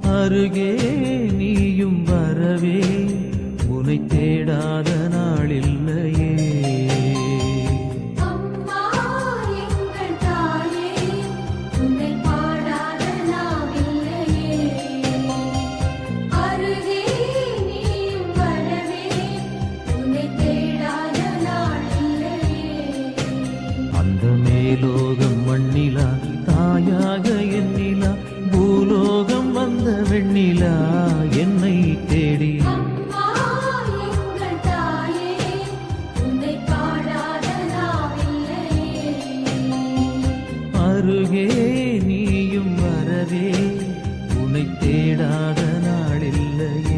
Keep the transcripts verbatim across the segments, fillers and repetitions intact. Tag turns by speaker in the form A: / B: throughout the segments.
A: அருகே நீயும் வரவே உனை தேடாத நாளில்லையே. அந்த மேலோகம் மண்ணிலா தாயாக எண்ணிலா பூலோகம் வந்த வெண்ணிலா என்னை தேடி. அருகே நீயும் வரவே உனை தேடாத நாளில்லையே.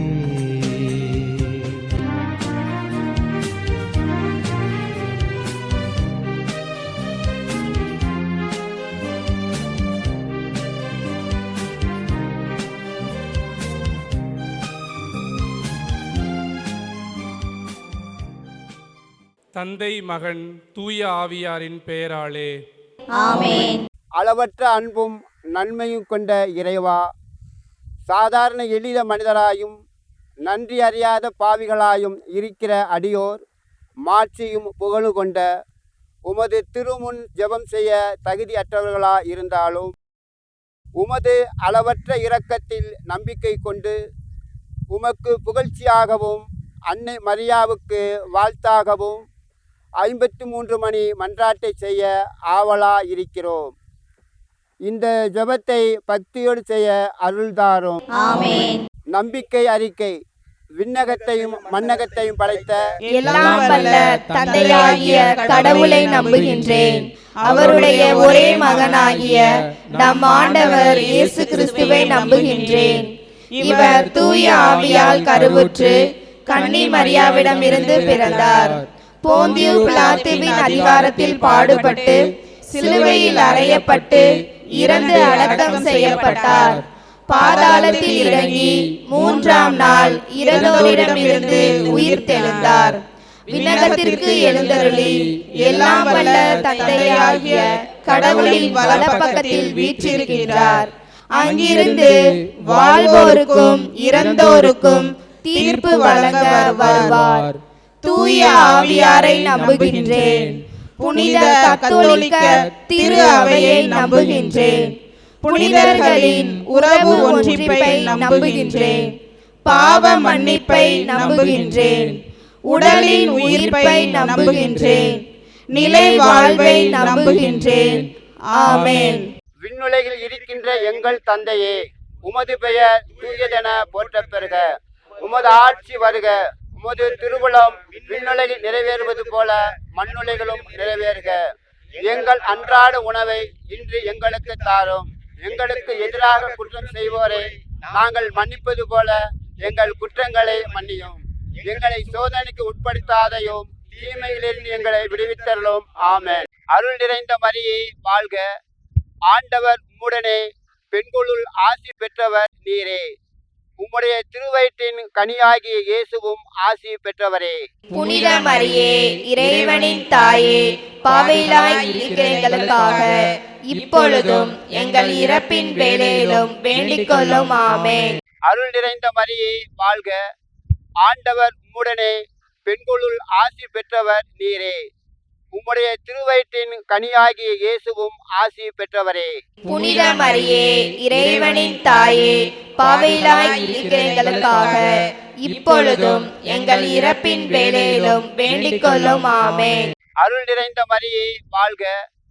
B: தந்தை மகன் தூய ஆவியாரின் பெயராலே
C: ஆமென்.
D: அளவற்ற அன்பும் நன்மையும் கொண்ட இறைவா, சாதாரண எளிய மனிதராயும் நன்றி அறியாத பாவிகளாயும் இருக்கிற அடியோர் மாட்சியும் புகழும் கொண்ட உமது திருமுன் ஜெபம் செய்ய தகுதியற்றவர்களா இருந்தாலும் உமது அளவற்ற இரக்கத்தில் நம்பிக்கை கொண்டு உமக்கு புகழ்ச்சியாகவும் அன்னை மரியாவுக்கு வாழ்த்தாகவும் ஐம்பத்தி மூன்று மணி மன்றாட்டை செய்ய ஆவலா இருக்கிறோம். இந்த ஜெபத்தை பக்தியோடு செய்ய அருள்தாரும்.
C: ஆமென்.
D: நம்பிக்கை அறிக்கை. விண்ணகத்தையும் மண்ணகத்தையும் படைத்த
C: எல்லாம் வல்ல தந்தையாகிய கடவுளை நம்புகின்றேன். அவருடைய ஒரே மகனாகிய நம் ஆண்டவர் இயேசு கிறிஸ்துவை நம்புகின்றேன். இவர் தூய ஆவியால் கருவுற்று கன்னி மரியாவிடம் இருந்து பிறந்தார். போந்தியு பிலாத்துவின் அதிகாரத்தில் பாடுபட்டு சிலுவையில் அறையப்பட்டு இறந்து அடக்கம் செய்யப்பட்டார். பாதாளத்தில் இறங்கி மூன்றாம் நாள் இறந்தோரிடமிருந்து உயிர் தெழுந்தார். விண்ணகத்திற்கு எழுந்தருளி எல்லாம் வல்ல தந்தையாகிய கடவுளின் வலப்பக்கத்தில் வீற்றிருக்கின்றார். அங்கிருந்து வாழ்வோருக்கும் இறந்தோருக்கும் தீர்ப்பு வழங்க வருவார். தூய ஆவியாரை நம்புகின்றேன். புனித கத்தோலிக்க திரு அவையை நம்புகின்றேன். புனிதர்களின் உறவு ஒன்றிப்பை நம்புகின்றேன். பாவ மன்னிப்பை நம்புகின்றேன். உடலின் உயிர்ப்பை நம்புகின்றேன். நிலை வாழ்வை நம்புகின்றேன். ஆமென்.
D: விண்ணுலகில் இருக்கின்ற எங்கள் தந்தையே, உமது பெயர் தூயதென போற்றப் பெறுக. உமது ஆட்சி வருக. உமது திருவுளம் விண்ணுலகில் நிறைவேறுவது போல மண்ணுலகிலும் நிறைவேறுக. எங்கள் அன்றாட உணவை இன்று எங்களுக்கு தாரும். எங்களுக்கு எதிராக குற்றம் செய்வோரை நாங்கள் மன்னிப்பது போல எங்கள் குற்றங்களை மன்னியும். எங்களை சோதனைக்கு உட்படுத்தாதையும் தீமையிலிருந்து எங்களை விடுவித்தரலும். ஆமென். அருள் நிறைந்த மரியே வாழ்க. ஆண்டவர் உம்முடனே, பெண்களுள் ஆசி பெற்றவர் நீரே. உம்முடைய திருவயிற்றின் கனியாகிய இயேசுவும் ஆசி பெற்றவரே.
C: புனித மரியே, இறைவனின் தாயே, பாவிகளாய் இருக்கிற எங்களுக்காக இப்பொழுதும் எங்கள் இறப்பின் வேளையிலும் வேண்டிக் கொள்ளும். ஆமென்.
D: அருள் நிறைந்த மரியே வாழ்க. ஆண்டவர் உம்முடனே, பெண்களுள் ஆசி பெற்றவர் நீரே. உம்முடைய திருவயிற்றின் கனியாகிய இயேசுவும் ஆசி பெற்றவரே.
C: புனித மரியே, இறைவனின் தாயே, பாவிகளாய் இருக்கிற எங்களுக்காக இப்பொழுதும் எங்கள் இறப்பின் வேளையிலும் வேண்டிக் கொள்ளும். ஆமென்.
D: அருள் நிறைந்த மரியே வாழ்க.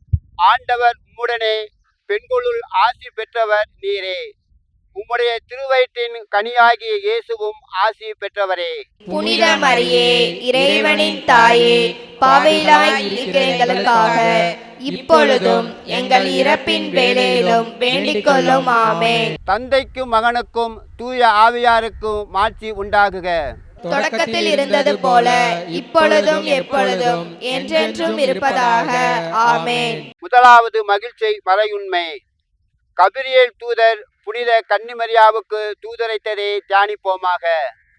D: ஆண்டவர் உம்முடனே, பெண்களுள் ஆசி பெற்றவர் நீரே. உம்முடைய திருவயிற்றின் கனியாகிய இயேசுவும் ஆசி பெற்றவரே.
C: புனித மரியே, இறைவனின் தாயே, பாவிகளாய் இருக்கிற எங்களுக்காக இப்பொழுதும் எங்கள் இறப்பின் வேளையிலும் வேண்டிக் கொள்ளும். ஆமென்.
D: தந்தைக்கும் மகனுக்கும் தூய ஆவியாருக்கும் மாட்சி உண்டாகுக.
C: தொடக்கத்தில் இருந்தது போல இப்பொழுதும் எப்பொழுதும் என்றென்றும் இருப்பதாக. ஆமென்.
D: முதலாவது மகிழ்ச்சி மறையுண்மை. கபிரியேல் தூதர் புனித கன்னிமரியாவுக்கு தூதரைத்ததை தியானிப்போமாக.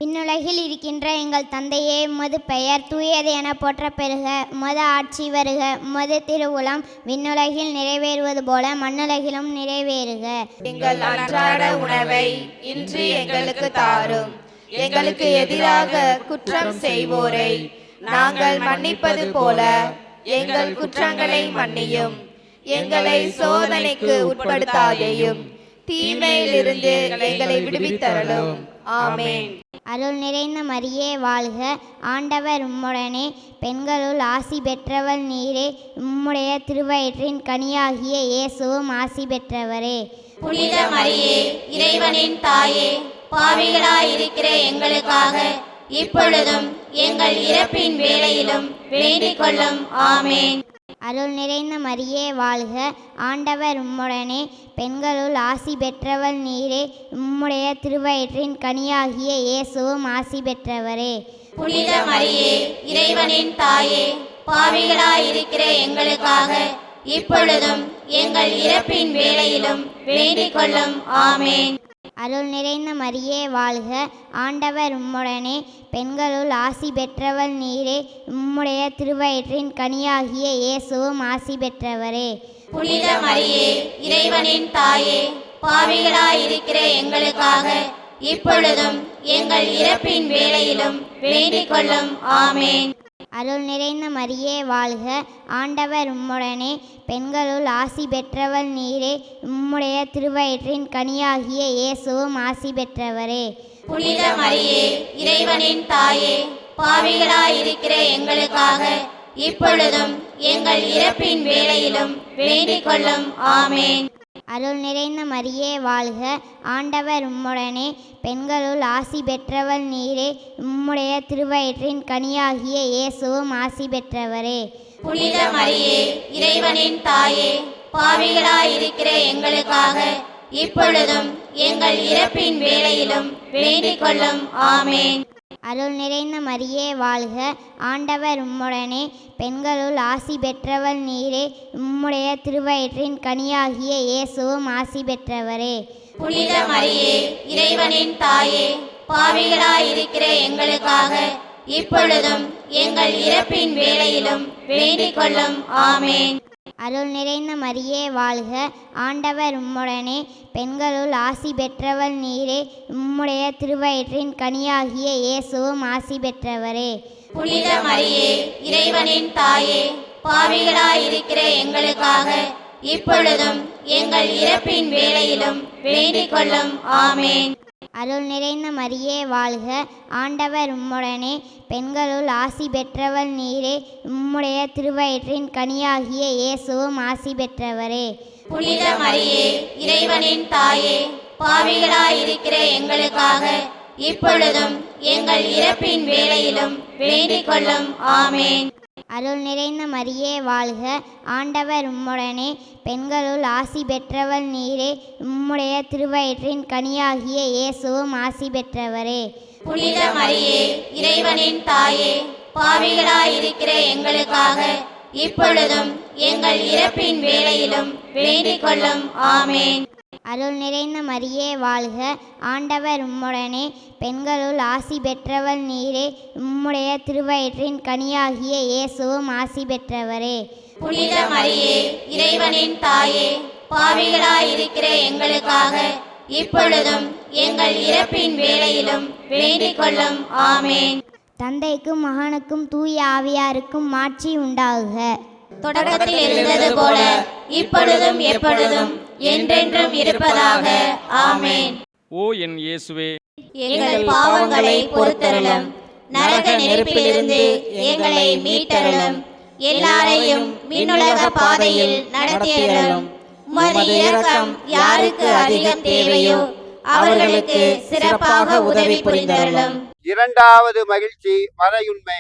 E: விண்ணுலகில் இருக்கின்ற எங்கள் தந்தையே, உமது பெயர் தூயது என போற்ற பெறுக. உமது ஆட்சி வருக. உமது திருவுளம் விண்ணுலகில் நிறைவேறுவது போல மண்ணுலகிலும் நிறைவேறுக.
C: எங்கள் அன்றாட உணவை இன்று எங்களுக்கு தாரும். எங்களுக்கு எதிராக குற்றம் செய்வோரை நாங்கள் மன்னிப்பது போல எங்கள் குற்றங்களை மன்னியும். எங்களை சோதனைக்கு உட்படுத்தாதேயும், தீமையிலிருந்து எங்களை விடுவித்தருளும். ஆமென்.
E: அருள் நிறைந்த மரியே வாழ்க. ஆண்டவர் உம்முடனே, பெண்களுள் ஆசி பெற்றவள் நீரே. உம்முடைய திருவயிற்றின் கனியாகிய இயேசுவும் ஆசி பெற்றவரே.
F: புனித மரியே, இறைவனின் தாயே, பாவிகளாயிருக்கிற எங்களுக்காக இப்பொழுதும் எங்கள் இறப்பின் வேளையிலும் வேண்டிக் கொள்ளும். ஆமேன்.
E: அருள் நிறைந்த மரியே வாழ்க. ஆண்டவர் உம்முடனே, பெண்களுள் ஆசி பெற்றவள் நீரே. உம்முடைய திருவயிற்றின் கனியாகிய இயேசுவும் ஆசி பெற்றவரே.
F: புனித மரியே, இறைவனின் தாயே, பாவிகளாயிருக்கிற எங்களுக்காக இப்பொழுதும் எங்கள் இறப்பின் வேளையிலும் வேண்டிக் கொள்ளும். ஆமேன்.
E: அருள் நிறைந்த மரியே வாழ்க. ஆண்டவர் உம்முடனே, பெண்களுள் ஆசி பெற்றவள் நீரே. உம்முடைய திருவயிற்றின் கனியாகிய இயேசுவும் ஆசி பெற்றவரே.
F: புனித மரியே, இறைவனின் தாயே, பாவிகளாயிருக்கிற எங்களுக்காக இப்பொழுதும் எங்கள் இறப்பின் வேளையிலும் வேண்டிக் கொள்ளும். ஆமேன்.
E: அருள் நிறைந்த மரியே வாழ்க. ஆண்டவர் உம்முடனே, பெண்களுள் ஆசி பெற்றவள் நீரே. உம்முடைய திருவயிற்றின் கனியாகிய இயேசுவும் ஆசி பெற்றவரே.
F: புனித மரியே, இறைவனின் தாயே, பாவிகளாயிருக்கிற எங்களுக்காக இப்பொழுதும் எங்கள் இறப்பின் வேளையிலும் வேண்டிக் கொள்ளும். ஆமேன்.
E: அருள் நிறைந்த மரியே வாழ்க. ஆண்டவர் உம்முடனே, பெண்களுள் ஆசி பெற்றவள் நீரே. உம்முடைய திருவயிற்றின் கனியாகிய இயேசுவும் ஆசி பெற்றவரே.
F: புனித மரியே, இறைவனின் தாயே, பாவிகளாயிருக்கிற எங்களுக்காக இப்பொழுதும் எங்கள் இறப்பின் வேளையிலும் வேண்டிக் கொள்ளும். ஆமேன்.
E: அருள் நிறைந்த மரியே வாழ்க. ஆண்டவர் உம்முடனே, பெண்களுள் ஆசி பெற்றவள் நீரே. உம்முடைய திருவயிற்றின் கனியாகிய இயேசுவும் ஆசி பெற்றவரே.
F: புனித மரியே, இறைவனின் தாயே, பாவிகளாயிருக்கிற எங்களுக்காக இப்பொழுதும் எங்கள் இறப்பின் வேளையிலும் வேண்டிக் கொள்ளும். ஆமேன்.
E: அருள் நிறைந்த மரியே வாழ்க. ஆண்டவர் உம்முடனே, பெண்களுள் ஆசி பெற்றவள் நீரே. உம்முடைய திருவயிற்றின் கனியாகிய இயேசுவும் ஆசி பெற்றவரே.
F: புனித மரியே, இறைவனின் தாயே, பாவிகளாயிருக்கிற எங்களுக்காக இப்பொழுதும் எங்கள் இறப்பின் வேளையிலும் வேண்டிக் கொள்ளும். ஆமேன்.
E: அருள் நிறைந்த மரியே வாழ்க. ஆண்டவர் உம்முடனே, பெண்களுள் ஆசி பெற்றவள் நீரே. உம்முடைய திருவயிற்றின் கனியாகிய இயேசுவும் ஆசி பெற்றவரே.
F: புனித மரியே, இறைவனின் தாயே, பாவிகளாயிருக்கிற எங்களுக்காக இப்பொழுதும் எங்கள் இறப்பின் வேளையிலும் வேண்டிக் கொள்ளும். ஆமேன்.
E: அருள் நிறைந்த மரியே வாழ்க. ஆண்டவர் உம்முடனே, பெண்களுள் ஆசி பெற்றவள் நீரே. உம்முடைய திருவயிற்றின் கனியாகிய இயேசுவும் ஆசி பெற்றவரே.
F: புனித மரியே, இறைவனின் தாயே, பாவிகளாயிருக்கிற எங்களுக்காக இப்பொழுதும் எங்கள் இறப்பின் வேளையிலும் வேண்டிக் கொள்ளும். ஆமேன்.
E: அருள் நிறைந்த மரியே வாழ்க. ஆண்டவர் உம்முடனே, பெண்களுள் ஆசி பெற்றவள் நீரே. உம்முடைய திருவயிற்றின் கனியாகிய இயேசுவும் ஆசி பெற்றவரே.
F: புனித மரியே, இறைவனின் தாயே, பாவிகளாயிருக்கிற எங்களுக்காக இப்பொழுதும் எங்கள் இறப்பின் வேளையிலும் வேண்டிக் கொள்ளும். ஆமேன்.
E: தந்தைக்கும் மகனுக்கும் தூய ஆவியாருக்கும் மாட்சி உண்டாகுக.
F: தொடக்கத்தில் இருந்தது போல இப்பொழுதும் எப்பொழுதும் என்றென்றும் இருப்பதாக. ஆமேன்.
G: ஓ என் இயேசுவே,
F: எங்கள் பாவங்களை பொறுத்தருளும், நரக நெருப்பிலிருந்து எங்களை மீட்டருளும், எல்லாரையும் விண்ணுலக பாதையில் நடத்தியருளும். உமது இரக்கம் யாருக்கு அதிகம் தேவையோ அவர்களுக்கு சிறப்பாக உதவி புரிந்தருளும்.
D: இரண்டாவது மகிழ்ச்சி மறையுண்மை.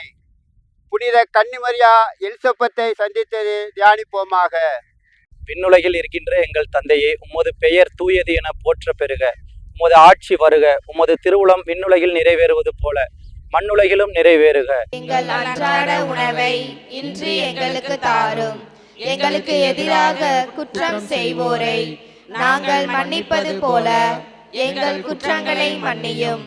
D: புனித கன்னிமரியா எலிசபெத்தை சந்தித்தது தியானிப்போமாக.
H: விண்ணுலகில் இருக்கின்ற எங்கள் தந்தையே, உமது பெயர் தூயது என போற்ற பெறுக. உமது ஆட்சி வருக. உமது திருவுளம் விண்ணுலகில் நிறைவேறுவது போல மண்ணுலகிலும் நிறைவேறுக.
C: எங்கள் அன்றாட உணவை இன்று எங்களுக்கு தாரும். எங்களுக்கு எதிராக குற்றம் செய்வோரை நாங்கள் மன்னிப்பது போல எங்கள் குற்றங்களை மன்னியும்.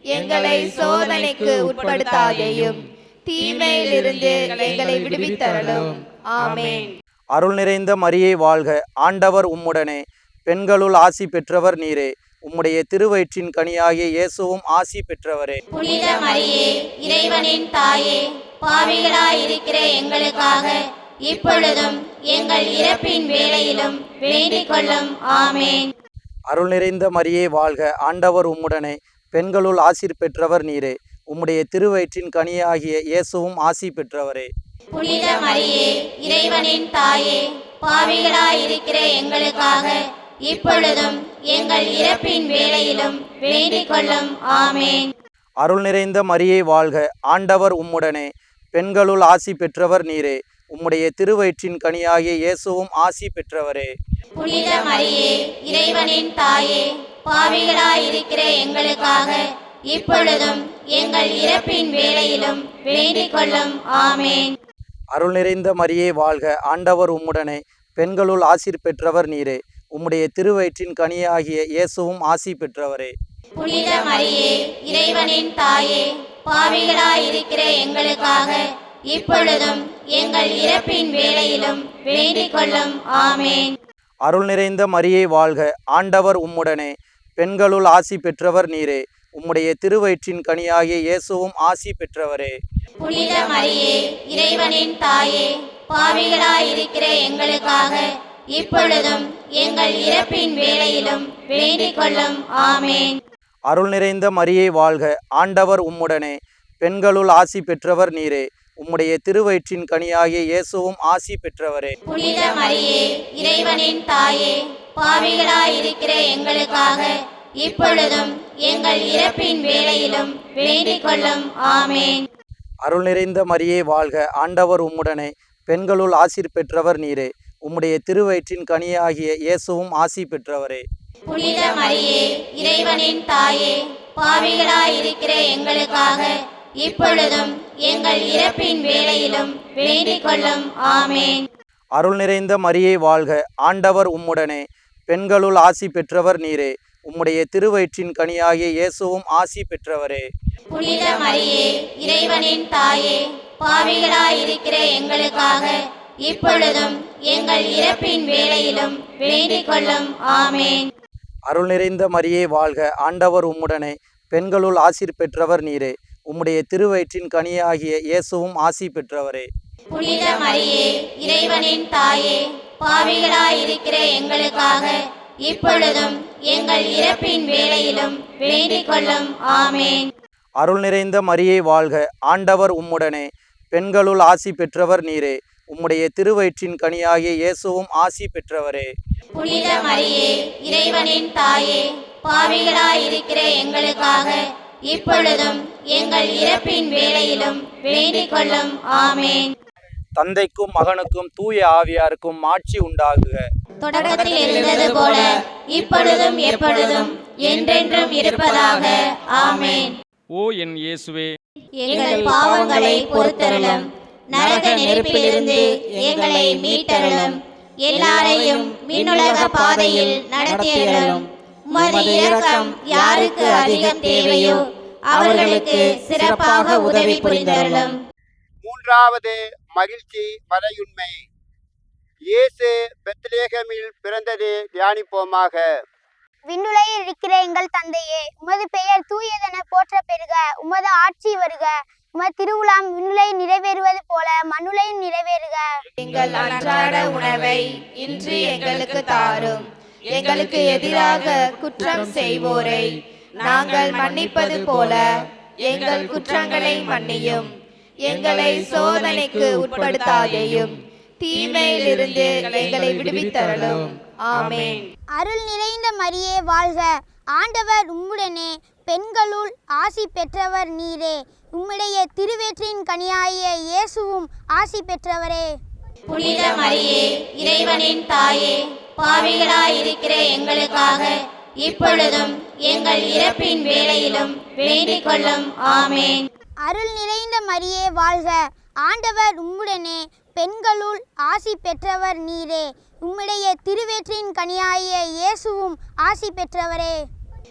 C: எங்களை சோதனைக்கு உட்படுத்தாதேயும் தீமையிலிருந்து எங்களை விடுவித்தருளும். ஆமென்.
H: அருள் நிறைந்த மரியே வாழ்க, ஆண்டவர் உம்முடனே, பெண்களுள் ஆசி பெற்றவர் நீரே, உம்முடைய திருவயிற்றின் கனியாகிய இயேசுவும் ஆசி பெற்றவரே.
F: புனித மரியே, இறைவனின் தாயே, பாவிகளாயிருக்கிற எங்களுக்காக இப்பொழுதும் எங்கள் இறப்பின் வேளையிலும் வேண்டிக் கொள்ளும். ஆமென்.
H: அருள் நிறைந்த மரியே வாழ்க, ஆண்டவர் உம்முடனே, பெண்களுள் ஆசி பெற்றவர் நீரே, உம்முடைய திருவயிற்றின் கனியாகிய இயேசுவும் ஆசி பெற்றவரே.
F: புனித மரியே, இறைவனின் தாயே, பாவிகளாயிருக்கிற எங்களுக்காக இப்பொழுதும் எங்கள் இறப்பின் வேளையிலும் வேண்டிக் கொள்ளும். ஆமென்.
H: அருள் நிறைந்த மரியே வாழ்க, ஆண்டவர் உம்முடனே, பெண்களுள் ஆசி பெற்றவர் நீரே, உம்முடைய திருவயிற்றின் கனியாகிய இயேசுவும் ஆசி பெற்றவரே.
F: புனித மரியே, இறைவனின் தாயே, பாவிகளாயிருக்கிற எங்களுக்காக இப்பொழுதும் எங்கள் இறப்பின் வேளையிலும் வேண்டிக் கொள்ளும். ஆமென்.
H: அருள் நிறைந்த மரியே வாழ்க, ஆண்டவர் உம்முடனே, பெண்களுள் ஆசி பெற்றவர் நீரே, உம்முடைய திருவயிற்றின் கனியாகிய இயேசுவும் ஆசி பெற்றவரே.
F: புனித மரியே, இறைவனின் தாயே, பாவிகளாயிருக்கிற எங்களுக்காக இப்பொழுதும் எங்கள் இறப்பின் வேளையிலும் வேண்டிக் கொள்ளும். ஆமென்.
H: அருள் நிறைந்த மரியே வாழ்க, ஆண்டவர் உம்முடனே, பெண்களுள் ஆசி பெற்றவர் நீரே, உம்முடைய திருவயிற்றின் கனியாகிய இயேசுவும் ஆசி பெற்றவரே.
F: புனித மரியே, இறைவனின் தாயே, பாவிகளாயிருக்கிற எங்களுக்காக இப்பொழுதும் எங்கள் இறப்பின் வேளையிலும் வேண்டிக் கொள்ளும். ஆமென்.
H: அருள் நிறைந்த மரியே வாழ்க, ஆண்டவர் உம்முடனே, பெண்களுள் ஆசி பெற்றவர் நீரே, உம்முடைய திருவயிற்றின் கனியாகிய இயேசுவும் ஆசி பெற்றவரே.
F: புனித மரியே, இறைவனின் தாயே, பாவிகளாயிருக்கிற எங்களுக்காக இப்பொழுதும் எங்கள் இறப்பின் வேளையிலும் வேண்டிக் கொள்ளும். ஆமென்.
H: அருள் நிறைந்த மரியே வாழ்க, ஆண்டவர் உம்முடனே, பெண்களுள் ஆசி பெற்றவர் நீரே, உம்முடைய திருவயிற்றின் கனியாகிய இயேசுவும் ஆசி பெற்றவரே.
F: புனித மரியே, இறைவனின் தாயே, பாவிகளாயிருக்கிற எங்களுக்காக இப்பொழுதும் எங்கள் இறப்பின் வேளையிலும் வேண்டிக் கொள்ளும். ஆமென்.
H: அருள் நிறைந்த மரியே வாழ்க, ஆண்டவர் உம்முடனே, பெண்களுள் ஆசி பெற்றவர் நீரே, உம்முடைய திருவயிற்றின் கனியாகிய இயேசுவும் ஆசி பெற்றவரே.
F: புனித மரியே, இறைவனின் தாயே, பாவிகளாயிருக்கிற எங்களுக்காக இப்பொழுதும் எங்கள் இறப்பின் வேளையிலும் வேண்டிக் கொள்ளும். ஆமென்.
H: அருள் நிறைந்த மரியே வாழ்க, ஆண்டவர் உம்முடனே, பெண்களுள் ஆசி பெற்றவர் நீரே, உம்முடைய திருவயிற்றின் கனியாகிய இயேசுவும் ஆசி பெற்றவரே.
F: புனித மரியே, இறைவனின் தாயே, பாவிகளாயிருக்கிற எங்களுக்காக இப்பொழுதும் எங்கள் இறப்பின் வேளையிலும் வேண்டிக் கொள்ளும். ஆமென்.
H: அருள் நிறைந்த மரியே வாழ்க, ஆண்டவர் உம்முடனே, பெண்களுள் ஆசி பெற்றவர் நீரே, உம்முடைய திருவயிற்றின் கனியாகிய இயேசுவும் ஆசி பெற்றவரே.
F: புனித மரியே, இறைவனின் தாயே, பாவிகளாயிருக்கிற எங்களுக்காக இப்பொழுதும் எங்கள் இறப்பின் வேளையிலும் வேண்டிக் கொள்ளும். ஆமென்.
H: தந்தைக்கும் மகனுக்கும் தூய ஆவியாருக்கும் ஆட்சி உண்டாகுக.
F: தொடக்கத்தில் இருந்தது போல இப்பொழுதும் எப்பொழுதும் என்றென்றும் இருப்பதாக. ஆமென்.
B: ஓ என் இயேசுவே,
F: எங்கள் பாவங்களை பொறுத்தருளும், நரக நெருப்பிலிருந்து எங்களை மீட்டருளும், எல்லாரையும் விண்ணுலக பாதையில் நடத்தியருளும். உமது இரக்கம் யாருக்கு அதிகம் தேவையோ அவர்களுக்கு சிறப்பாக உதவி புரிந்தருளும்.
D: மூன்றாவது மகிழ்ச்சி மறையுண்மை. இயேசு பெத்லேகேமில் பிறந்தது தியானிப்போமாக.
E: விண்ணுலகில் இருக்கிற எங்கள் தந்தையே, உமது பெயர் தூயதென போற்ற பெறுக. உமது ஆட்சி வருக. உமது திருவுளம் விண்ணுலகில் நிறைவேறுவது போல மண்ணுலகில் நிறைவேறுக.
C: எங்கள் அன்றாட உணவை இன்று எங்களுக்கு தாரும். எங்களுக்கு எதிராக குற்றம் செய்வோரை நாங்கள் மன்னிப்பது போல எங்கள் குற்றங்களை மன்னியும். எங்களை சோதனைக்கு உட்படுத்தாதேயும் தீமையிலிருந்து எங்களை விடுவித்தருளும். ஆமென்.
E: அருள் நிறைந்த மரியே வாழ்க, ஆண்டவர் உம்முடனே, பெண்களுள் ஆசி பெற்றவர் நீரே, உம்முடைய திருவயிற்றின் கனியாகிய இயேசுவும் ஆசி பெற்றவரே.
F: புனித மரியே, இறைவனின் தாயே, பாவிகளாயிருக்கிற எங்களுக்காக இப்பொழுதும் எங்கள் இறப்பின் வேளையிலும் வேண்டிக் கொள்ளும். ஆமென்.
E: அருள் நிறைந்த மரியே வாழ்க, ஆண்டவர் உம்முடனே, பெண்களுள் ஆசி பெற்றவர் நீரே, உம்முடைய திருவயிற்றின் கனியாகிய இயேசுவும் ஆசி பெற்றவரே.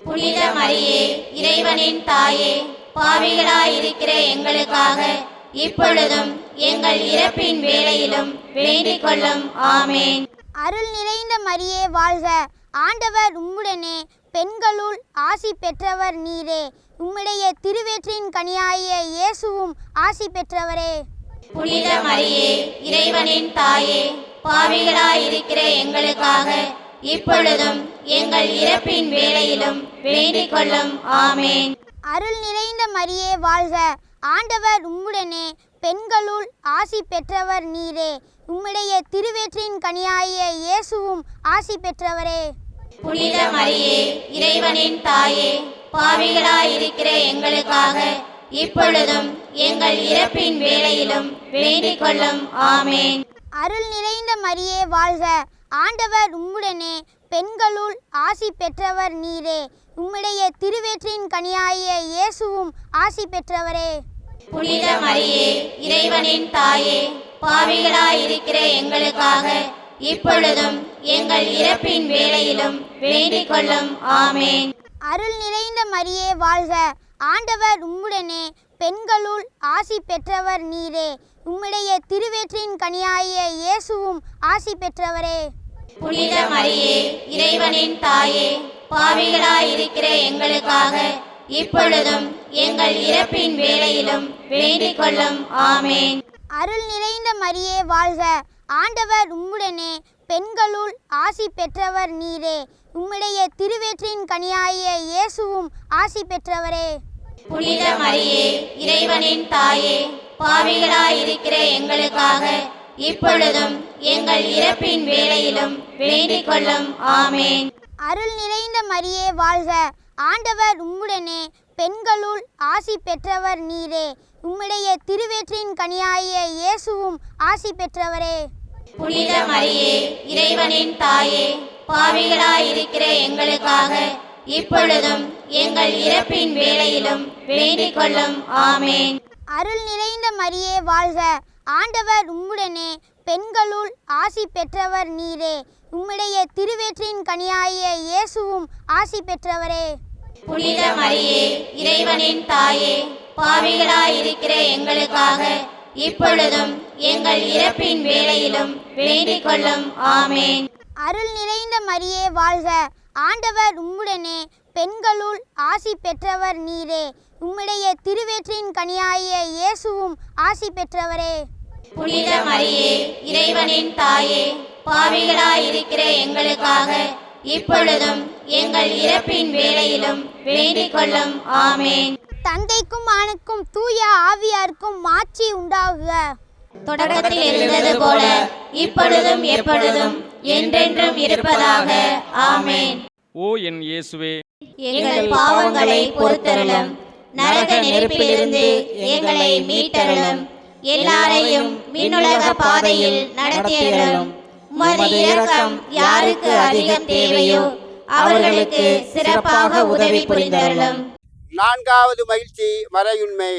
F: புனித மரியே இறைவனின் தாயே, பாவிகளாயிருக்கிற எங்களுக்காக இப்பொழுதும் எங்கள் இறப்பின் வேளையிலும் வேண்டிக் கொள்ளும். ஆமேன்.
E: அருள் நிறைந்த மரியே வாழ்க, ஆண்டவர் உம்முடனே, பெண்களுள் ஆசி பெற்றவர் நீரே. உம்முடைய திருவயிற்றின் கனியாகிய இயேசுவும் ஆசி பெற்றவரே.
F: புனித மரியே இறைவனின் தாயே, பாவிகளாயிருக்கிற எங்களுக்காக இப்பொழுதும் எங்கள் இறப்பின் வேளையிலும் வேண்டிக் கொள்ளும். ஆமேன்.
E: அருள் நிறைந்த மரியே வாழ்க, ஆண்டவர் உம்முடனே, பெண்களுள் ஆசி பெற்றவர் நீரே. உம்முடைய திருவயிற்றின் கனியாகிய இயேசுவும் ஆசி பெற்றவரே.
F: புனித மரியே இறைவனின் தாயே, பாவிகளாயிருக்கிற எங்களுக்காக இப்பொழுதும் எங்கள் இறப்பின் வேளையிலும் வேண்டிக் கொள்ளும். ஆமேன்.
E: அருள் நிறைந்த மரியே வாழ்க, ஆண்டவர் உம்முடனே, பெண்களுள் ஆசி பெற்றவர் நீரே. உம்முடைய திருவயிற்றின் கனியாகிய இயேசுவும் ஆசி பெற்றவரே.
F: புனித மரியே இறைவனின் தாயே, பாவிகளாயிருக்கிற எங்களுக்காக இப்பொழுதும் எங்கள் இறப்பின் வேளையிலும் வேண்டிக் கொள்ளும். ஆமேன்.
E: அருள் நிறைந்த மரியே வாழ்க, ஆண்டவர் உம்முடனே, பெண்களுள் ஆசி பெற்றவர் நீரே. உம்முடைய திருவயிற்றின் கனியாகிய இயேசுவும் ஆசி பெற்றவரே.
F: புனித மரியே இறைவனின் தாயே, பாவிகளாயிருக்கிற எங்களுக்காக இப்பொழுதும் எங்கள் இறப்பின் வேளையிலும் வேண்டிக் கொள்ளும். ஆமேன்.
E: அருள் நிறைந்த மரியே வாழ்க, ஆண்டவர் உம்முடனே, பெண்களுள் ஆசி பெற்றவர் நீரே. உம்முடைய திருவயிற்றின் கனியாகிய இயேசுவும் ஆசி பெற்றவரே.
F: புனித மரியே இறைவனின் தாயே, பாவிகளாயிருக்கிற எங்களுக்காக இப்பொழுதும் எங்கள் இறப்பின் வேளையிலும் வேண்டிக் கொள்ளும். ஆமேன்.
E: அருள் நிறைந்த மரியே வாழ்க, ஆண்டவர் உம்முடனே, பெண்களுள் ஆசி பெற்றவர் நீரே. உம்முடைய திருவயிற்றின் கனியாகிய இயேசுவும் ஆசி பெற்றவரே.
F: புனித மரியே இறைவனின் தாயே, பாவிகளாயிருக்கிற எங்களுக்காக இப்பொழுதும் எங்கள் இறப்பின் வேளையிலும் வேண்டிக் கொள்ளும். ஆமேன்.
E: அருள் நிறைந்த மரியே வாழ்க, ஆண்டவர் உம்முடனே, பெண்களுள் ஆசி பெற்றவர் நீரே. உம்முடைய திருவயிற்றின் கனியாகிய இயேசுவும் ஆசி பெற்றவரே.
F: புனித மரியே இறைவனின் தாயே, பாவிகளாயிருக்கிற எங்களுக்காக இப்பொழுதும் எங்கள் இறப்பின் வேளையிலும் வேண்டிக் கொள்ளும். ஆமேன்.
E: அருள் நிறைந்த மரியே வாழ்க, ஆண்டவர் உம்முடனே, பெண்களுள் ஆசி பெற்றவர் நீரே. உம்முடைய திருவயிற்றின் கனியாகிய இயேசுவும் ஆசி பெற்றவரே.
F: புனித மரியே இறைவனின் தாயே, பாவிகளாயிருக்கிற எங்களுக்காக இப்பொழுதும் எங்கள் இறப்பின் வேளையிலும் வேண்டிக் கொள்ளும். ஆமேன்.
E: தந்தைக்கும் ஆணுக்கும் தூய ஆவியாருக்கும் மாட்சி உண்டாகுக.
F: தொடக்கத்தில் இருந்தது போல இப்பொழுதும் எப்பொழுதும் என்றென்றும் இருப்பதாக. ஆமேன்.
G: ஓ என் இயேசுவே,
F: எங்கள் பாவங்களை பொறுத்தருளும், நரக நெருப்பிலிருந்து எங்களை மீட்டருளும், எல்லாரையும் மின்னுலக பாதையில் நடத்தியருளும். உமது இரக்கம் யாருக்கு அதிகம் தேவையோ அவர்களுக்கு சிறப்பாக உதவி புரிந்தருளும்.
D: நான்காவது மகிழ்ச்சி மறையுண்மை.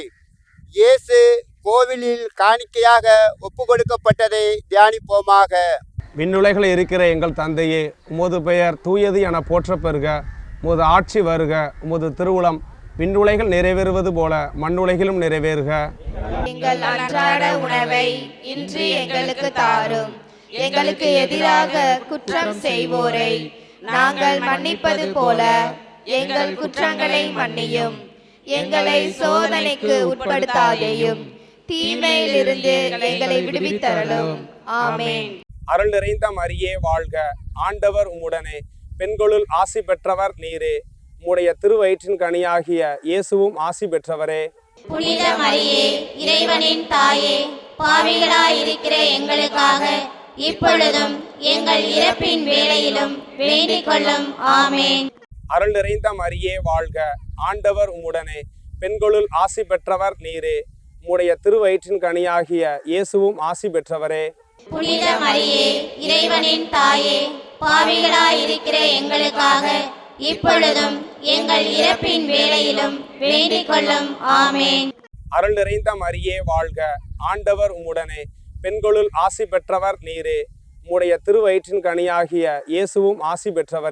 D: இயேசு கோவிலில் காணிக்கையாக ஒப்பு கொடுக்கப்பட்டதை தியானிப்போமாக.
I: விண்ணுலகில் இருக்கிற எங்கள் தந்தையே, உமது பெயர் தூயது என போற்ற பெறுக. உமது ஆட்சி வருக. உமது திருவுளம் விண்ணுலகில் நிறைவேறுவது போல மண்ணுலகிலும் நிறைவேறுக.
C: எங்கள் அன்றாட உணவை இன்று எங்களுக்கு தாரும். எங்களுக்கு எதிராக குற்றம் செய்வோரை நாங்கள் மன்னிப்பது போல எங்கள் குற்றங்களை மன்னியும். எங்களை சோதனைக்கு உட்படுத்தாதேயும், தீமையிலிருந்து எங்களை விடுவித்தருளும். ஆமேன்.
I: அருள் நிறைந்த மரியே வாழ்க, ஆண்டவர் உம்முடனே, பெண்களுள் ஆசி பெற்றவர் நீரே. உம்முடைய திருவயிற்றின் கனியாகிய இயேசுவும் ஆசி பெற்றவரே.
F: புனித மரியே இறைவனின் தாயே, பாவிகளாயிருக்கிற எங்களுக்காக இப்பொழுதும் எங்கள் இறப்பின் வேளையிலும் வேண்டிக் கொள்ளும். ஆமேன்.
I: அருள் நிறைந்த மரியே வாழ்க, ஆண்டவர் உம்முடனே, பெண்களுள் ஆசி பெற்றவர் நீரே. உம்முடைய திருவயிற்றின் கனியாகிய இயேசுவும் ஆசி பெற்றவரே.
F: புனித மரியே இறைவனின் தாயே, பாவிகளாயிருக்கிற எங்களுக்காக இப்பொழுதும் எங்கள் இறப்பின் வேளையிலும் வேண்டிக் கொள்ளும். ஆமேன்.
I: அருள் நிறைந்த மரியே வாழ்க, ஆண்டவர் உம்முடனே, பெண்களுள் ஆசி பெற்றவர் நீரே. உம்முடைய திருவயிற்றின் கனியாகிய இயேசுவும் ஆசி பெற்றவரே.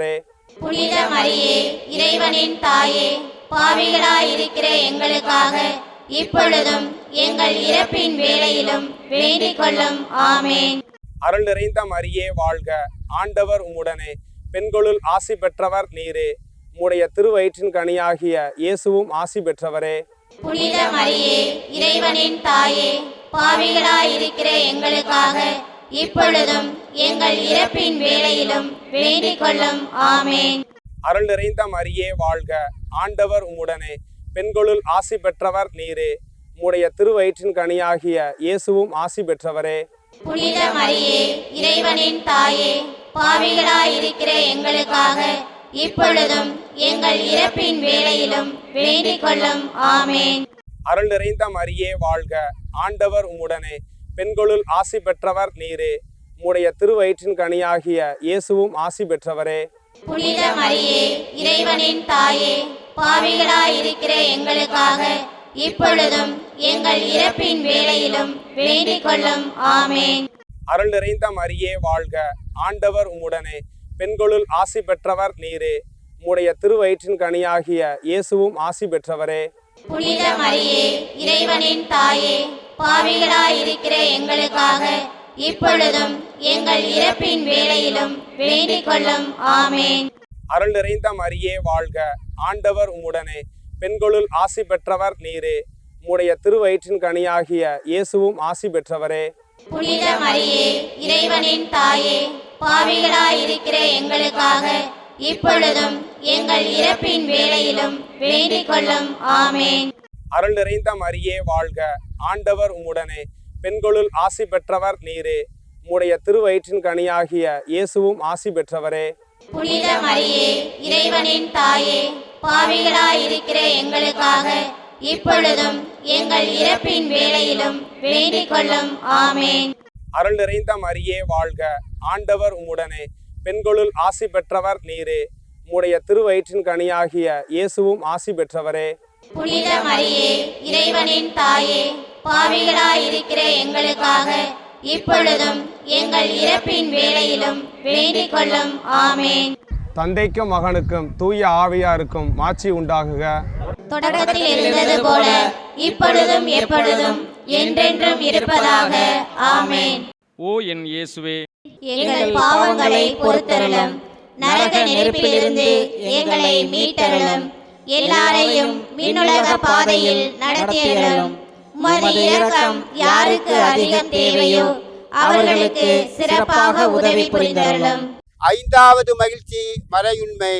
F: புனித மரியே இறைவனின் தாயே, பாவிகளாயிருக்கிற எங்களுக்காக இப்பொழுதும் எங்கள் இறப்பின் வேளையிலும் வேண்டிக் கொள்ளும். ஆமேன்.
I: அருள் நிறைந்த மரியே வாழ்க, ஆண்டவர் உம்முடனே, பெண்களுள் ஆசி பெற்றவர் நீரே, உம்முடைய திருவயிற்றின் கனியாகிய இயேசுவும் ஆசி பெற்றவரே.
F: புனித மரியே இறைவனின் தாயே, பாவிகளாயிருக்கிற எங்களுக்காக இப்பொழுதும் எங்கள் இறப்பின் வேளையிலும் வேண்டிக் கொள்ளும். ஆமேன்.
I: அருள் நிறைந்த மரியே வாழ்க, ஆண்டவர் உம்முடனே, பெண்களுள் ஆசி பெற்றவர் நீரே, உம்முடைய திருவயிற்றின் கனியாகிய இயேசுவும் ஆசி பெற்றவரே.
F: புனித மரியே இறைவனின் தாயே, பாவிகளாயிருக்கிற எங்களுக்காக இப்பொழுதும் எங்கள் இறப்பின் வேளையிலும் வேண்டிக் கொள்ளும். ஆமேன்.
I: அருள் நிறைந்த மரியே வாழ்க, ஆண்டவர் உம்முடனே, பெண்களுள் ஆசி பெற்றவர் நீரே, உம்முடைய திருவயிற்றின் கனியாகிய இயேசுவும் ஆசி பெற்றவரே.
F: புனித மரியே இறைவனின் தாயே, பாவிகளாயிருக்கிற எங்களுக்காக இப்பொழுதும் எங்கள் இறப்பின் வேளையிலும் வேண்டிக் கொள்ளும். ஆமேன்.
I: அருள் நிறைந்த மரியே வாழ்க, ஆண்டவர் உம்முடனே, பெண்களுள் ஆசி பெற்றவர் நீரே, உம்முடைய திருவயிற்றின் கனியாகிய இயேசுவும் ஆசி பெற்றவரே.
F: புனித மரியே இறைவனின் தாயே, பாவிகளாயிருக்கிற எங்களுக்காக இப்பொழுதும் எங்கள் இறப்பின் வேளையிலும் வேண்டிக் கொள்ளும். ஆமேன்.
I: அருள் நிறைந்த மரியே வாழ்க, ஆண்டவர் உம்முடனே, பெண்களுள் ஆசி பெற்றவர் நீரே, உம்முடைய திருவயிற்றின் கனியாகிய இயேசுவும் ஆசி பெற்றவரே.
F: புனித மரியே இறைவனின் தாயே, பாவிகளாயிருக்கிற எங்களுக்காக இப்பொழுதும் எங்கள் இறப்பின் வேளையிலும் வேண்டிக் கொள்ளும். ஆமேன்.
I: அருள் நிறைந்த மரியே வாழ்க, ஆண்டவர் உம்முடனே, பெண்களுள் ஆசி பெற்றவர் நீரே, உம்முடைய திருவயிற்றின் கனியாகிய இயேசுவும் ஆசி பெற்றவரே.
F: புனித மரியே இறைவனின் தாயே, பாவிகளாயிருக்கிற எங்களுக்காக இப்பொழுதும் எங்கள் இறப்பின் வேளையிலும் வேண்டிக் கொள்ளும். ஆமேன்.
I: அருள் நிறைந்த மரியே வாழ்க, ஆண்டவர் உம்முடனே, பெண்களுள் ஆசி பெற்றவர் நீரே, உம்முடைய திருவயிற்றின் கனியாகிய இயேசுவும் ஆசி பெற்றவரே.
F: புனித மரியே இறைவனின் தாயே, பாவிகளாயிருக்கிற எங்களுக்காக இப்பொழுதும் எங்கள் இறப்பின் வேளையிலும் வேண்டிக் கொள்ளும். ஆமேன்.
I: தந்தைக்கும் மகனுக்கும் தூய ஆவியாருக்கும் மாட்சி உண்டாகுக.
F: தொடக்கத்தில் இருந்தது போல இப்பொழுதும் எப்பொழுதும் என்றென்றும் இருப்பதாக. ஆமேன்.
B: ஓ என் இயேசுவே,
F: எங்கள் பாவங்களை பொறுத்தருளும், நரக நெருப்பிலிருந்து எங்களை மீட்டருளும், எல்லாரையும் மின்னுலக பாதையில் நடத்தியருளும். உமது இரக்கம் யாருக்கு அதிகம் தேவையோ அவர்களுக்கு சிறப்பாக உதவி புரிந்தருளும்.
D: ஐந்தாவது மகிழ்ச்சி மறையுண்மை.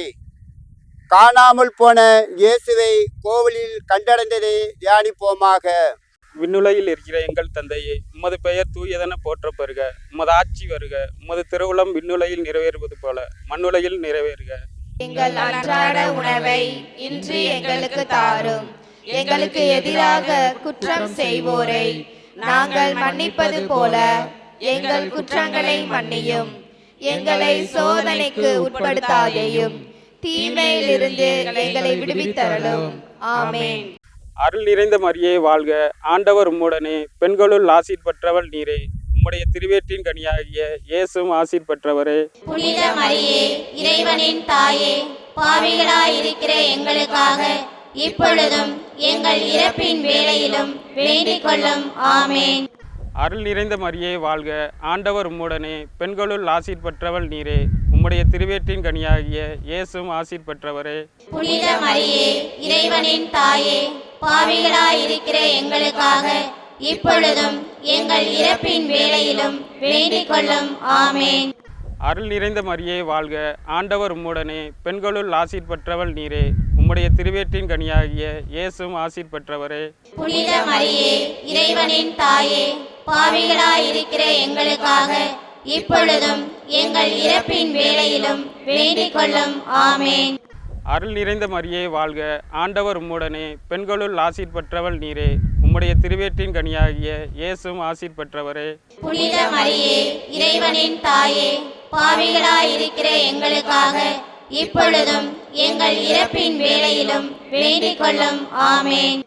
D: காணாமல் போன இயேசுவை கோவிலில் கண்டடைந்ததை தியானிப்போமாக.
G: விண்ணுலகில் இருக்கிற எங்கள் தந்தையே, உமது பெயர் தூயதென போற்றப் பெறுக. உமது ஆட்சி வருக. உமது திருவுளம் விண்ணுலகில் நிறைவேறுவது போல மண்ணுலகில் நிறைவேறுக.
C: எங்கள் அன்றாட உணவை இன்று எங்களுக்கு தாரும். எங்களுக்கு எதிராக குற்றம் செய்வோரை நாங்கள் மன்னிப்பது போல எங்கள் குற்றங்களை மன்னியும். எங்களை சோதனைக்கு உட்படுத்தாதேயும், தீமையிலிருந்து எங்களை விடுவித்தருளும். ஆமேன்.
G: அருள் நிறைந்த மரியே வாழ்க, ஆண்டவர் உம்முடனே, பெண்களுள் ஆசீர் பெற்றவள் நீரே, உம்முடைய திருவேற்றின் கனியாகிய இயேசுவும் ஆசீர் பெற்றவரே.
F: புனித மரியே இறைவனின் தாயே, பாவிகளாயிருக்கிற எங்களுக்காக இப்பொழுதும் எங்கள் இறப்பின் வேளையிலும் வேண்டிக் கொள்ளும். ஆமேன்.
G: அருள் நிறைந்த மரியே வாழ்க, ஆண்டவர் உம்முடனே, பெண்களுள் ஆசீர் பெற்றவள் நீரே, உம்முடைய திருவேற்றின் கனியாகிய இயேசுவும் ஆசீர் பெற்றவரே.
F: புனித மரியே இறைவனின் தாயே, பாவிகளாயிருக்கிற எங்களுக்காக இப்பொழுதும் எங்கள் இறப்பின் வேளையிலும் வேண்டிக் கொள்ளும். ஆமேன்.
G: அருள் நிறைந்த மரியே வாழ்க, ஆண்டவர் உம்முடனே, பெண்களுள் ஆசீர் பெற்றவள் நீரே, உம்முடைய திருவேற்றின் கனியாகிய இயேசுவும் ஆசீர் பெற்றவரே.
F: புனித மரியே இறைவனின் தாயே, பாவிகளாயிருக்கிற எங்களுக்காக இப்பொழுதும் எங்கள் இறப்பின் வேளையிலும் வேண்டிக் கொள்ளும். ஆமேன்.
G: அருள் நிறைந்த மரியே வாழ்க, ஆண்டவர் உம்முடனே, பெண்களுள் ஆசீர் பெற்றவள் நீரே, உம்முடைய திருவேற்றின் கனியாகிய இயேசுவும் ஆசீர் பெற்றவரே.
F: புனித மரியே இறைவனின் தாயே, பாவிகளாயிருக்கிற எங்களுக்காக இப்பொழுதும் எங்கள் இறப்பின் வேளையிலும் வேண்டிக் கொள்ளும். ஆமேன்.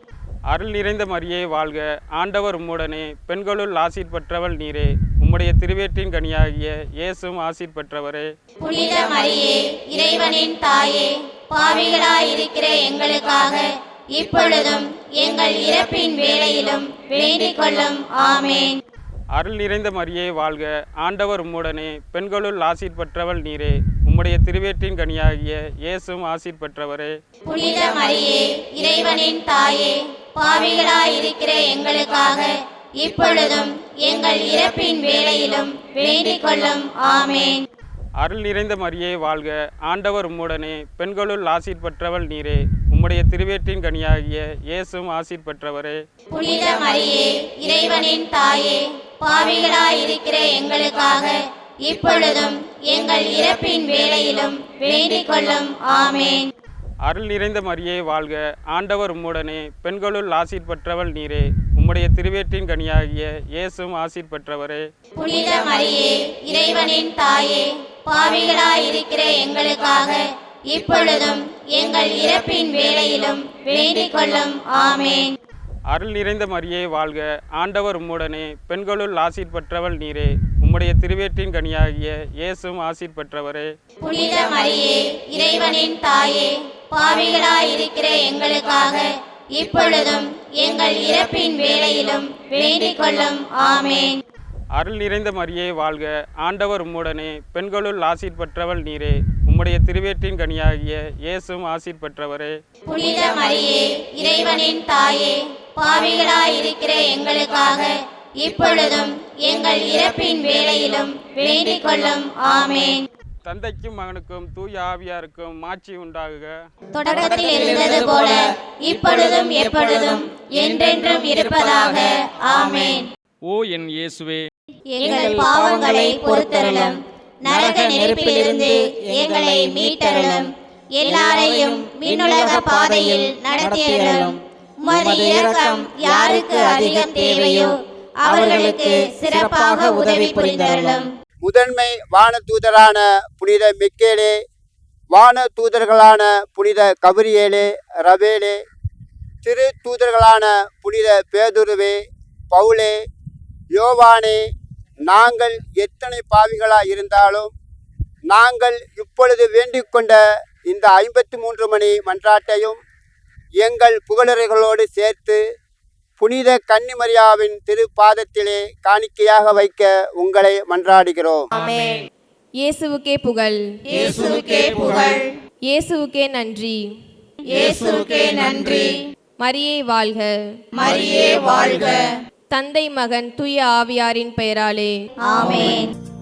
G: அருள் நிறைந்த மரியே வாழ்க, ஆண்டவர் உம்முடனே, பெண்களுள் ஆசீர் பெற்றவள் நீரே, உம்முடைய திருவேற்றின் கனியாகிய இயேசுவும் ஆசீர் பெற்றவரே.
F: புனித மரியே, இறைவனின் தாயே, பாவிகளாயிருக்கிற எங்களுக்காக இப்பொழுதும் எங்கள் இறப்பின் வேளையிலும் வேண்டிக் கொள்ளும். ஆமேன்.
G: அருள் நிறைந்த மரியே வாழ்க, ஆண்டவர் உம்முடனே, பெண்களுள் ஆசீர் பெற்றவள் நீரே, உம்முடைய திருவேற்றின் கனியாகிய இயேசுவும் ஆசீர் பெற்றவரே.
F: புனித மரியே, இறைவனின் தாயே, பாவிகளாயிருக்கிற எங்களுக்காக இப்பொழுதும் எங்கள் இறப்பின் வேளையிலும் வேண்டிக் கொள்ளும். ஆமேன்.
G: அருள் நிறைந்த மரியே வாழ்க, ஆண்டவர் உம்முடனே, பெண்களுள் ஆசீர் பெற்றவள் நீரே, உம்முடைய திருவேற்றின் கனியாகிய இயேசுவும் ஆசீர் பெற்றவரே.
F: புனித மரியே, இறைவனின் தாயே, பாவிகளாயிருக்கிற எங்களுக்காக இப்பொழுதும் எங்கள் இறப்பின் வேளையிலும் வேண்டிக் கொள்ளும். ஆமேன்.
G: அருள் நிறைந்த மரியே வாழ்க, ஆண்டவர் உம்முடனே, பெண்களுள் ஆசீர் பெற்றவள் நீரே, உம்முடைய திருவேற்றின் கனியாகிய இயேசுவும் ஆசீர் பெற்றவரே.
F: புனித மரியே, இறைவனின் தாயே, பாவிகளாயிருக்கிற எங்களுக்காக இப்பொழுதும் எங்கள் இறப்பின் வேளையிலும் வேண்டிக் கொள்ளும். ஆமேன்.
G: அருள் நிறைந்த மரியே வாழ்க, ஆண்டவர் உம்முடனே, பெண்களுள் ஆசீர் பெற்றவள் நீரே, உம்முடைய திருவேற்றின் கனியாகிய இயேசுவும் ஆசீர் பெற்றவரே.
F: புனித மரியே, இறைவனின் தாயே, பாவிகளாயிருக்கிற எங்களுக்காக இப்பொழுதும் எங்கள் இறப்பின் வேளையிலும் வேண்டிக் கொள்ளும். ஆமேன்.
G: அருள் நிறைந்த மரியே வாழ்க, ஆண்டவர் உம்முடனே, பெண்களுள் ஆசீர் பெற்றவள் நீரே, உம்முடைய திருவேற்றின் கனியாகிய இயேசுவும் ஆசீர் பெற்றவரே.
F: புனித மரியே, இறைவனின் தாயே, பாவிகளாயிருக்கிற எங்களுக்காக இப்பொழுதும் எங்கள் இறப்பின் வேளையிலும் வேண்டிக் கொள்ளும். ஆமேன்.
G: தந்தைக்கும் மகனுக்கும் தூய ஆவியாருக்கும் மாட்சி உண்டாகுக.
F: தொடக்கத்தில் இருந்தது போல இப்பொழுதும் எப்பொழுதும் என்றென்றும் இருப்பதாக. ஆமேன்.
G: ஓ என் இயேசுவே,
F: எங்கள் பாவங்களை பொறுத்தருளும், நரக நெருப்பிலிருந்து எங்களை மீட்டருளும், எல்லாரையும் விண்ணுலக பாதையில் நடத்தியருளும். உமது இரக்கம் யாருக்கு அதிகம் தேவையோ அவர்களுக்கு சிறப்பாக உதவி புரிந்தருளும்.
D: முதன்மை வான தூதரான புனித மிக்கேலே, வான தூதர்களான புனித கபிரியேலே, ரவேலே, திரு தூதர்களான புனித பேதுருவே, பவுலே, யோவானே, நாங்கள் எத்தனை பாவிகளாக இருந்தாலும் நாங்கள் இப்பொழுது வேண்டிக் கொண்ட இந்த ஐம்பத்தி மூன்று மணி மன்றாட்டையும் எங்கள் புகழறைகளோடு சேர்த்து புனித கன்னிமரியாவின் திருப்பாதத்திலே காணிக்கையாக வைக்க உங்களை மன்றாடுகிறோம்.
C: ஆமென்.
J: இயேசுவுக்கே புகழ்,
C: இயேசுவுக்கே புகழ்,
J: இயேசுவுக்கே நன்றி,
C: இயேசுவுக்கே நன்றி.
J: மரியே வாழ்க,
C: மரியே வாழ்க.
J: தந்தை மகன் தூய ஆவியாரின் பெயராலே
F: ஆமென்.